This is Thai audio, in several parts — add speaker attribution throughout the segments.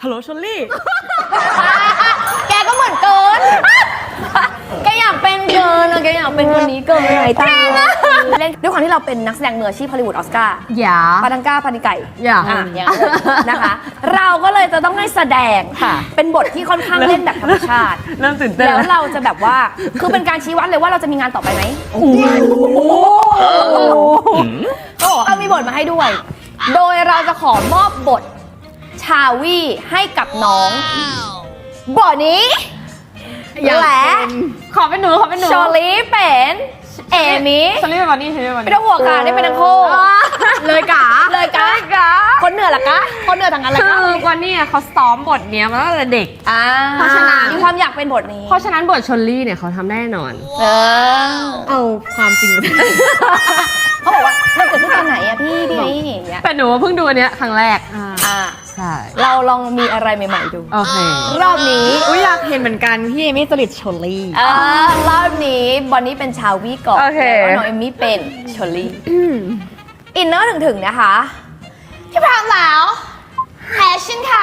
Speaker 1: ฮัลโหลชลลี่
Speaker 2: แกก็เหมือนเกิน แกอยากเป็นเกินแกอยากเป็นคนนี้เกินไงตาเล่นด้วยความที่เราเป็นนักแสดงมืออาชีพฮอลลีวูดออสการ์
Speaker 1: อย่า
Speaker 2: ปาทังก้าปานิไก่
Speaker 1: อย่า
Speaker 2: อย่างนั้นนะคะ เราก็เลยจะต้องให้แสดงค่ะ เป็นบทที่ค่อนข้างเล่นแบบธรรมชาติ
Speaker 1: เริ่มตื่นเต้น
Speaker 2: แล้วเราจะแบบว่า คือเป็นการชี้วัดเลยว่าเราจะมีงานต่อไปไหมเขาบอกว่ามีบทมาให้ด้วย โดยเราจะขอมอบบทชาวีให้กับน้องบทนี้และ
Speaker 1: ขอเป็นหนู
Speaker 2: ชอลี่เป็นเอมี่
Speaker 1: ชลลี่เป็นวันนี้ชลลี่เป็นวัน
Speaker 2: ไม่
Speaker 1: นี้
Speaker 2: ต้องห่วงค่ะได้เป็นทั้งคู่
Speaker 1: เลยกะ
Speaker 2: เลยกะคนเหนือล่ะกะคนเหนือทางนั้นล่ะ
Speaker 1: คื
Speaker 2: กะ
Speaker 1: อวันนี้เขาซ้อมบทเนี้ยมาตั้งแต่เด็ก เพราะฉะนั้น
Speaker 2: มีความอยากเป็นบทนี้
Speaker 1: เพราะฉะนั้นบทชลลี่เนี่ยเขาทำแน่นอน เอาความจริงมา
Speaker 2: เขาบอกว่ามันเกิดขึ้นตอนไหนอะพี่อย่างเงี้ย
Speaker 1: แต่หนูเพิ่งดูอันเนี้ยครั้งแรก ใช่
Speaker 2: เราลองมีอะไรใหม่ๆดู
Speaker 1: โอเค
Speaker 2: รอบนี้
Speaker 3: อยากเห็นเหมือนกันพี่เอมี่จริตชลลี่
Speaker 2: รอบนี้บอนนี่เป็นชาวีก่อน
Speaker 1: โอเค
Speaker 2: แล้วน้องเอมมี่เป็นชอลลี่อินเนอร์ถึงๆนะคะที่พร้อมแล้วแอคชั่นค่ะ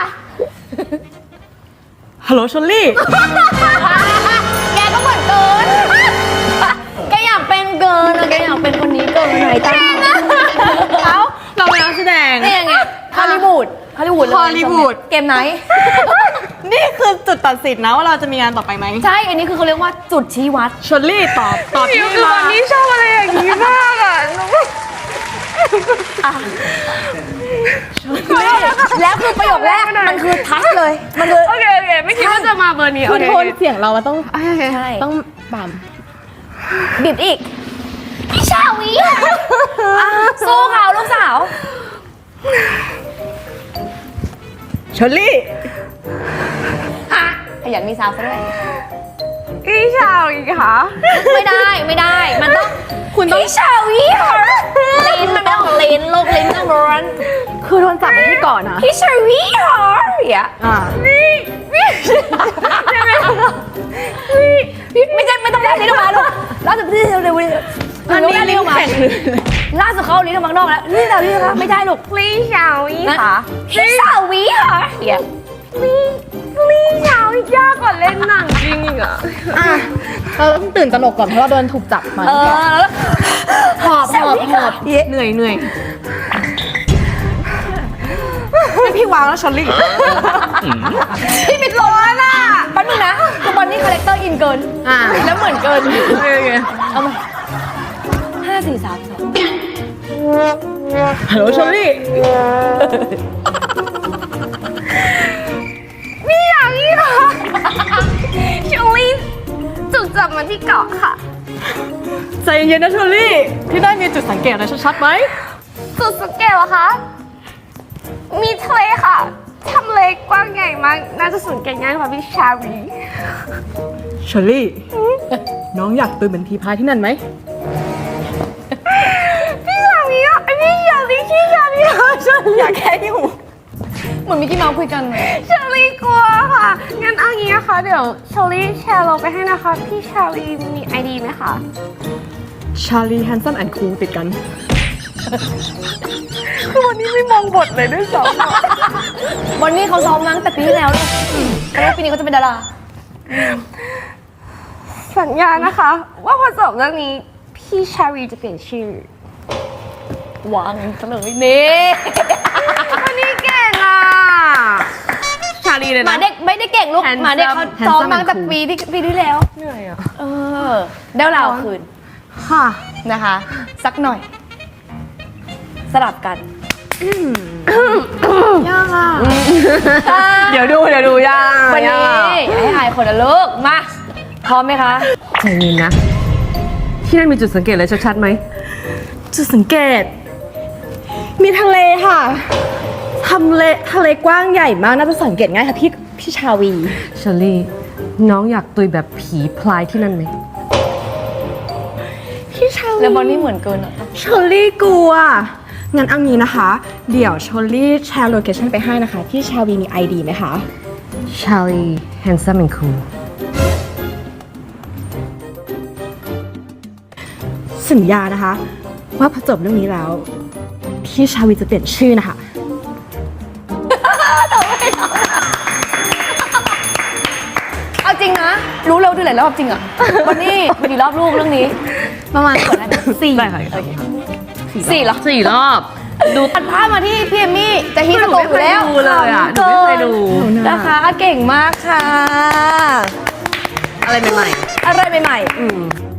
Speaker 1: ฮัลโหลชลลี่
Speaker 2: แกก็เหมือนเกิน แกอยากเป็นเกินแกอยากเป็นคนนี้เกินไหนตาเอ้า
Speaker 1: เราเป็นนักแสดง
Speaker 2: นี่ยังไงฮอลลีวูดเลย
Speaker 1: ฮอลลีวูด
Speaker 2: เกมไหน
Speaker 3: นี่คือจุดตัดสินนะว่าเราจะมีงานต่อไปไหม
Speaker 2: ใช่ อันนี้คือเขาเรียกว่าจุดชี้วัด
Speaker 3: ชลลี่ตอบ
Speaker 1: พี่
Speaker 3: พี่
Speaker 1: คือ
Speaker 3: มา
Speaker 1: วันนี้ชอบอะไรอย่างนี้มากอ่ะ
Speaker 2: แล้วคือประโยคแรกมันคือทัชเลย มันคือ
Speaker 1: โอเคไม่คิดว่าจะมาเบอร์นี้
Speaker 3: คือ
Speaker 1: โอเค
Speaker 3: โทนเสียงเรามันต้อง
Speaker 2: ใช่
Speaker 3: ต้องบ่ม
Speaker 2: บิดอีก พี่ชาวีสู้เขาลูกสาว
Speaker 3: ชลลี่
Speaker 2: ขยันมีซาวซะด้วย
Speaker 1: พี่ชาวอีกค่ะ
Speaker 2: ไม่ได้ มันต้องคุณต้องพี่ชาวีค่ะลิ้นมันไม่ต้องลิ้นลูกลิ้นต้องร้อน
Speaker 3: คือโดนจับไปที่ก่อนนะ
Speaker 2: พี่ชาวีค่ะอย่า ไม่ใช่ไม่ต้องแลบลิ้นออกมาลูกล่าสุดพี่เร็วๆ
Speaker 3: อันนี้ลิ้นแข็งเลย
Speaker 2: ล่าสุดเขาเอาลิ้นออกมาข้างนอกแล้วนี่เรานี่คะไม่ได้ลูก
Speaker 1: พี่ชาวอีกค่ะ
Speaker 2: พี่สาวีค่ะอย่า
Speaker 1: พี่ชาวอีกยากกว่าเล่นหนังจริงอีกอ่ะ
Speaker 3: เราต้องตื่นตระหนกก่อนเพราะเราโดนถูกจับมา
Speaker 2: แล้ว
Speaker 3: หอบเหนื่อยพี่วางแล้วชลลี่
Speaker 2: พี่มิดร้อนอ่ะแป๊บนึงนะคือบอนนี่คาแรคเตอร์อินเกินแล้วเหมือนเกินเอามา5 4 3 2
Speaker 3: ฮัลโหลชลลี่
Speaker 1: พี่ชาวอีกค่ะชลลี่ถูกจับมาที่เกาะค่ะ
Speaker 3: ใจเย็นๆนะชลลี่พี่ได้มีจุดสังเกตอะไรชัดๆไหม
Speaker 1: จุดสังเกตเหรอคะ มีทะเลค่ะทำเลกว้างใหญ่มาก น่าจะสังเกตง่ายกว่าพี่ชาวี
Speaker 3: ชลลี่ น้องอยากตื่นเหมือนพีพายที่นั่นไหม
Speaker 1: พี่ชาวีอ่ะพี่ชาวี
Speaker 3: อยากแค่ที่หู
Speaker 2: เหมือนมิกกี้เมาส์คุยกัน
Speaker 1: ชาลีกลัวค่ะ งั้นเอางี้นะคะ เดี๋ยวชาลีแชร์โลไปให้นะคะ พี่ชาลีมีไอดีไหมคะ
Speaker 3: ชาลีแฮนซัมแอนด์คูลติดกัน
Speaker 1: คือวันนี้ไม่มองบทเลยด้วยซ้
Speaker 2: บอนนี่เขาซ้อมมาตั้งแต่ปีที่แล้วเลยแล้วปีนี้เขาจะเป็นดารา
Speaker 1: ำสัญญานะคะ ว่าพอจบเรื่องนี้ พี่ชาวีจะเปลี่ยนชื่อ
Speaker 2: วางเฉลยนี่
Speaker 1: วันนี้เก่งอ่ะ ชาลีเลย
Speaker 2: หมา
Speaker 1: นะ
Speaker 2: เด็กไม่ได้เก่งลูก
Speaker 1: Handsome
Speaker 2: หมาเด็กเขาซ้อมมาตั้งแต่
Speaker 3: Handsome
Speaker 2: ปีที่แล้ว
Speaker 1: เหนื่อยอ่ะ
Speaker 2: ได้เราคืน
Speaker 1: ค่ะ
Speaker 2: นะคะ สักหน่อย สลับกัน
Speaker 3: ยากอ่ะ
Speaker 1: เดี๋ยวดูย่า
Speaker 2: วันนี้ให้อายคนละลูกมาพร้อมไหมคะ
Speaker 1: ใจเย็นนะ ที่นั่นมีจุดสังเกตอะไรชัดๆไหม
Speaker 3: จุดสังเกต มีทะเลค่ะทะเลกว้างใหญ่มากน่าจะสังเกตง่ายค่ะพี่ชาวี
Speaker 1: ชาลีน้องอยากตุยแบบผีพลายที่นั่นไหม
Speaker 3: พี่ชาวี
Speaker 2: แล้วบอนนี่เหมือนเกินอ่ะ
Speaker 3: ชลลี่กลัว งั้นเอางี้นะคะ เดี๋ยวชลลี่แชร์โลเคชั่นไปให้นะคะ พี่ชาวีมี ID ไหมคะ
Speaker 1: ชาลี handsome and cool
Speaker 3: สัญญานะคะ ว่าพอจบเรื่องนี้แล้ว พี่ชาวีจะเปลี่ยนชื่อนะคะ
Speaker 2: ลายรอบจริงอะวันนี้มีกี่รอบลูกเรื่องนี้ ประมาณกดได้ไหม4
Speaker 3: ได้ค่ะ
Speaker 2: 4เหรอ
Speaker 3: 4 รอบ
Speaker 2: ดูตัดภาพมาที่พี่เอมมี่จะฮิตสโตอยู่แล้ว
Speaker 3: หนูไม่เคยดูเลยอะหนูไม่เคยดู
Speaker 2: นะคะเก่งมากค่ะ
Speaker 3: อะไรใหม่
Speaker 2: อะไรใหม่
Speaker 3: ๆ